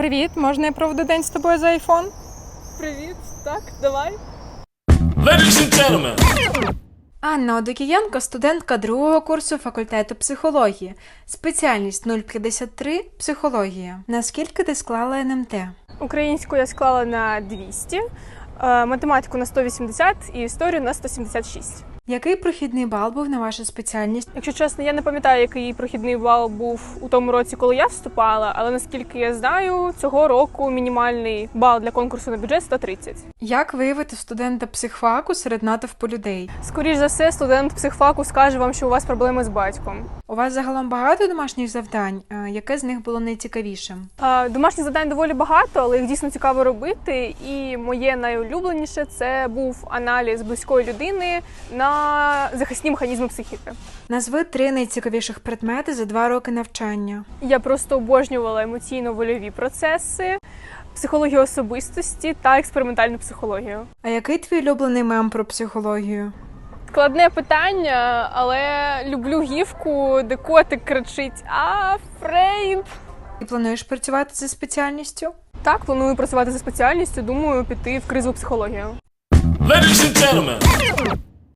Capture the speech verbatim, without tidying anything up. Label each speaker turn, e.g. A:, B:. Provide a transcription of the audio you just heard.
A: Привіт, можна я проведу день з тобою за айфон?
B: Привіт, так, давай.
C: Ladies and gentlemen.
A: Анна Одокієнко, студентка другого курсу факультету психології. Спеціальність нуль п'ятдесят три – психологія. Наскільки ти склала ен ем те?
B: Українську я склала на двісті, е, математику на сто вісімдесят і історію на сто сімдесят шість.
A: Який прохідний бал був на вашу спеціальність?
B: Якщо чесно, я не пам'ятаю, який прохідний бал був у тому році, коли я вступала, але наскільки я знаю, цього року мінімальний бал для конкурсу на бюджет сто тридцять.
A: Як виявити студента психфаку серед натовпу людей?
B: Скоріш за все, студент психфаку скаже вам, що у вас проблеми з батьком.
A: У вас загалом багато домашніх завдань? А яке з них було найцікавішим?
B: Е, Домашніх завдань доволі багато, але їх дійсно цікаво робити. І моє найулюбленіше – це був аналіз близької людини на захисні механізми психіки.
A: Назви три найцікавіших предмети за два роки навчання.
B: Я просто обожнювала емоційно-вольові процеси, психологію особистості та експериментальну психологію.
A: А який твій улюблений мем про психологію?
B: Складне питання, але люблю гівку, де котик кричить «А, Фрейд!».
A: Ти плануєш працювати за спеціальністю?
B: Так, планую працювати за спеціальністю, думаю піти в кризову психологію.
C: Ladies and gentlemen.